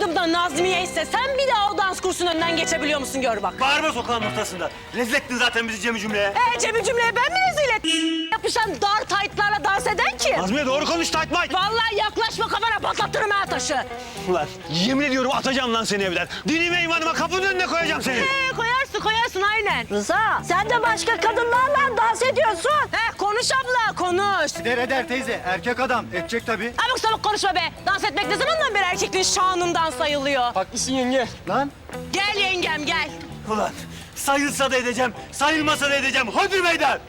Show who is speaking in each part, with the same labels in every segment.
Speaker 1: adımda Nazmiye ise sen bir daha o dans kursunun önünden geçebiliyor musun gör bak.
Speaker 2: Bağırma sokağın ortasında. Rezil ettin zaten bizi Cem'i cümleye.
Speaker 1: Cem'i cümleye ben mi rezil ettim? Yapışan dar taytlarla dans eden kim?
Speaker 2: Nazmiye doğru konuş Taytmay.
Speaker 1: Vallahi yaklaşma kafana patlatırım ha taşı.
Speaker 2: Ulan yemin ediyorum atacağım lan seni evden. Dinime imanıma kapının önüne koyacağım seni.
Speaker 1: Koyarsın aynen.
Speaker 3: Rıza, sen de başka kadınlarla dans ediyorsun.
Speaker 1: Konuş abla konuş.
Speaker 4: Eder teyze, erkek adam. Edecek tabii.
Speaker 1: Abuk sabuk konuşma be. Dans etmek ne zamandan beri erkekliğin şanından sayılıyor.
Speaker 4: Haklısın yenge. Lan.
Speaker 1: Gel yengem gel.
Speaker 2: Ulan sayılsa da edeceğim, sayılmasa da edeceğim. Hadi meydan.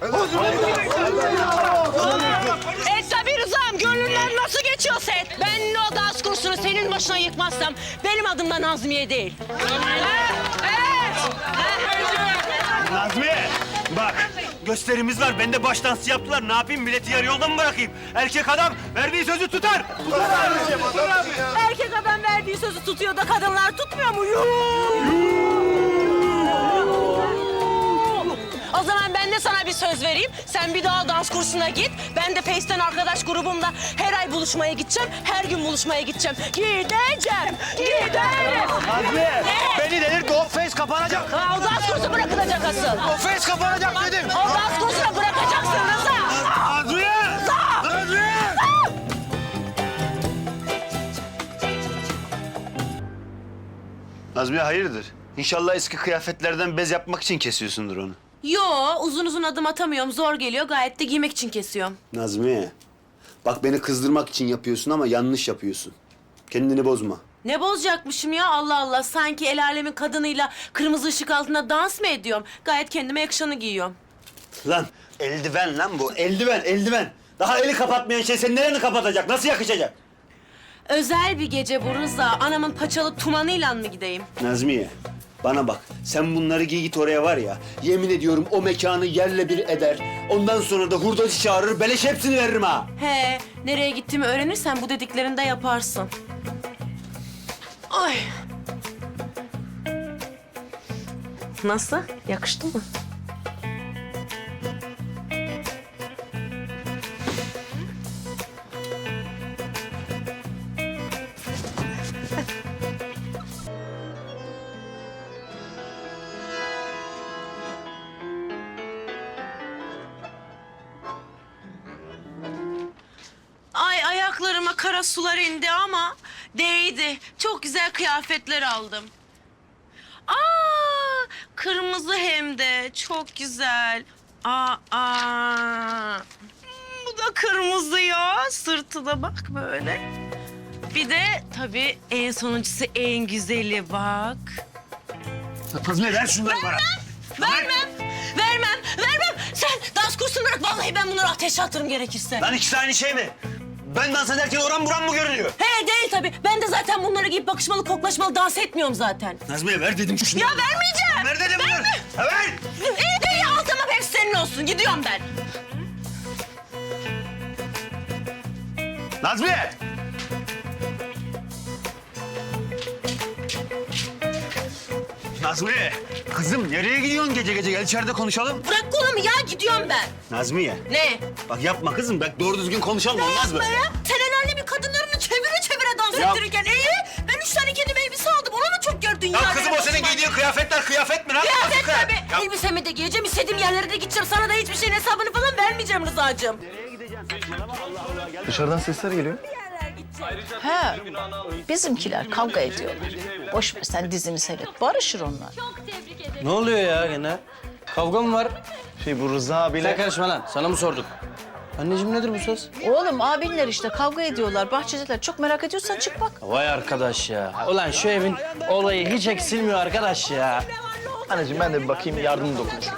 Speaker 1: Tabii Rıza'm gönlünden nasıl geçiyorsa et. Ben o dans kursunu senin başına yıkmazsam benim adım da Nazmiye değil. Evet.
Speaker 2: Nazmiye bak gösterimiz var. Ben de baş dansı yaptılar. Ne yapayım bileti yarı yolda mı bırakayım? Erkek adam verdiği sözü tutar.
Speaker 1: Erkek adam verdiği sözü tutuyor da kadınlar tutmuyor mu? O zaman ben de sana bir söz vereyim. Sen bir daha dans kursuna git. Ben de Face'ten arkadaş grubumla her ay buluşmaya gideceğim. Her gün buluşmaya gideceğim. Gideceğim. Giderim.
Speaker 2: Nazmiye beni delirtme. O face kapanacak.
Speaker 1: O dans kursu bırakılacak asıl.
Speaker 2: O face kapanacak dedim.
Speaker 1: O dans kursuna bırakacaksın Rıza.
Speaker 2: Nazmiye! Nazmiye! Nazmiye hayırdır? İnşallah eski kıyafetlerden bez yapmak için kesiyorsundur onu.
Speaker 1: Yo, uzun uzun adım atamıyorum. Zor geliyor. Gayet de giymek için kesiyorum.
Speaker 5: Nazmiye, bak beni kızdırmak için yapıyorsun ama yanlış yapıyorsun. Kendini bozma.
Speaker 1: Ne bozacakmışım ya Allah Allah. Sanki el alemin kadınıyla kırmızı ışık altında dans mı ediyorum? Gayet kendime yakışanı giyiyorum.
Speaker 5: Lan eldiven lan bu, eldiven. Daha eli kapatmayan şey senin nereni kapatacak, nasıl yakışacak?
Speaker 1: Özel bir gece bu Rıza. Anamın paçalı tumanıyla mı gideyim?
Speaker 5: Nazmiye, bana bak. Sen bunları giy git oraya var ya. Yemin ediyorum o mekanı yerle bir eder. Ondan sonra da hurdacı çağırır, beleş hepsini veririm ha.
Speaker 1: He, nereye gittiğimi öğrenirsen bu dediklerini de yaparsın. Ay. Nasıl? Yakıştı mı? Ay ayaklarıma kara sular indi ama değdi. Çok güzel kıyafetler aldım. Kırmızı hem de çok güzel. Bu da kırmızı ya. Sırtı da bak böyle. Bir de tabii en sonuncusu en güzeli bak.
Speaker 2: Nazmiye ver şunları bana.
Speaker 1: Vermem. Sen dans kursunu bırak. Vallahi ben bunları ateşe atarım gerekirse.
Speaker 2: Lan ikisi aynı şey mi? Ben dans ederken oran buram mı görünüyor?
Speaker 1: He değil tabii. Ben de zaten bunları giyip bakışmalı, koklaşmalı dans etmiyorum zaten.
Speaker 2: Nazmiye ver dedim şunu.
Speaker 1: Ya vermeyeceğim.
Speaker 2: Ver dedim bunu. Ha, ver.
Speaker 1: İyi al tamam hepsi senin olsun. Gidiyorum ben.
Speaker 2: Nazmiye! Nazmiye! Kızım nereye gidiyorsun gece gece? Gel içeride konuşalım.
Speaker 1: Bırak kolumu ya gidiyorum ben.
Speaker 5: Nazmiye,
Speaker 1: Ne?
Speaker 5: bak yapma kızım. Bak doğru düzgün konuşalım, olmaz mı?
Speaker 1: Ya sen el alemin kadınlarını çevire dans
Speaker 5: Ya-
Speaker 1: ettirirken ben 3 tane kendime elbise aldım. Onu mu çok gördün ya?
Speaker 2: Ya kızım o senin giydiğin kıyafetler kıyafet mi lan?
Speaker 1: Kıyafet
Speaker 2: Nasıl
Speaker 1: tabii.
Speaker 2: Ya-
Speaker 1: Elbisemi de giyeceğim. İstediğim yerlere de gideceğim. Sana da hiçbir şeyin hesabını falan vermeyeceğim Rıza'cığım.
Speaker 4: Dışarıdan sesler geliyor.
Speaker 3: He, bizimkiler kavga ediyorlar. Boş ver sen dizini seyret, barışır onlar.
Speaker 6: Ne oluyor ya gene? Kavga mı var?
Speaker 4: Bu Rıza abiyle...
Speaker 6: Sen karışma lan. Sana mı sorduk? Anneciğim nedir bu söz?
Speaker 3: Oğlum abinler işte kavga ediyorlar, bahçedeler. Çok merak ediyorsan çık bak.
Speaker 6: Vay arkadaş ya. Ulan şu evin olayı hiç eksilmiyor arkadaş ya.
Speaker 4: Anneciğim ben de bir bakayım, yardım dokunuşum.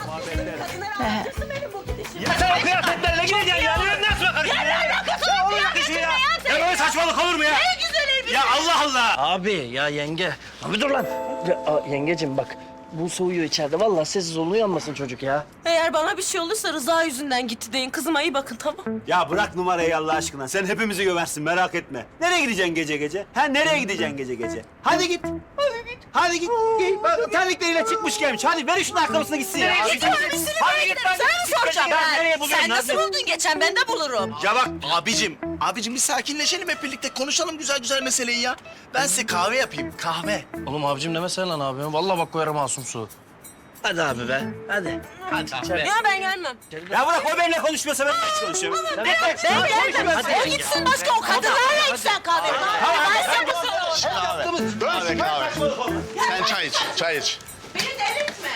Speaker 2: Ya sen o kıyafetlerle gideceksin ya. Nasıl bakarım ya? Ya o yakışıyor ya. Ya böyle saçmalık olur mu ya?
Speaker 1: Ne güzel elbise.
Speaker 2: Ya Allah Allah.
Speaker 6: Abi ya yenge. Abi dur lan. Yengeciğim bak. Bu soğuyor içeride. Vallahi sessiz olun uyanmasın çocuk ya.
Speaker 1: Eğer bana bir şey olursa Rıza yüzünden gitti deyin. Kızıma iyi bakın tamam.
Speaker 5: Ya bırak numarayı Allah aşkına. Sen hepimizi gömersin, merak etme. Nereye gideceksin gece gece? Ha nereye gideceksin gece gece? Hadi git. Hadi git. Bak, terlikleriyle çıkmış gelmiş. Hadi ver şunun ayakkabısına gitsin ya.
Speaker 1: Gidiyorum üstüne
Speaker 5: Hadi
Speaker 1: ben
Speaker 5: git
Speaker 1: giderim.
Speaker 5: lan.
Speaker 1: Sana mı soracağım
Speaker 5: Ya
Speaker 1: ben?
Speaker 5: nereye buluyorsun
Speaker 1: Sen
Speaker 5: lan
Speaker 1: nasıl
Speaker 5: sen?
Speaker 1: buldun geçen ben de bulurum.
Speaker 2: Ya bak abicim
Speaker 7: Abicim bir sakinleşelim hep birlikte. Konuşalım güzel güzel meseleyi ya. Ben size kahve yapayım, kahve.
Speaker 6: Oğlum abicim demesene lan abi. Vallahi bak koyarım masum su.
Speaker 7: Hadi abi be, hadi. Hadi.
Speaker 1: Ya ben gelmem.
Speaker 5: Ya bırak o benimle konuşmuyorsa ben hiç konuşuyorum.
Speaker 1: Ben gelmem. O gitsin başka o kadınlarla içsen kahve. Ben sen bu
Speaker 8: Kahve kahve. Sen çay iç, çay iç.
Speaker 1: Beni delirtme.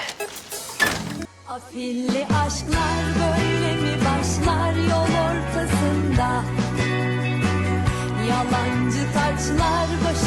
Speaker 9: Afilli aşklar böyle mi başlar yol ortasında? Yalancı taçlar başı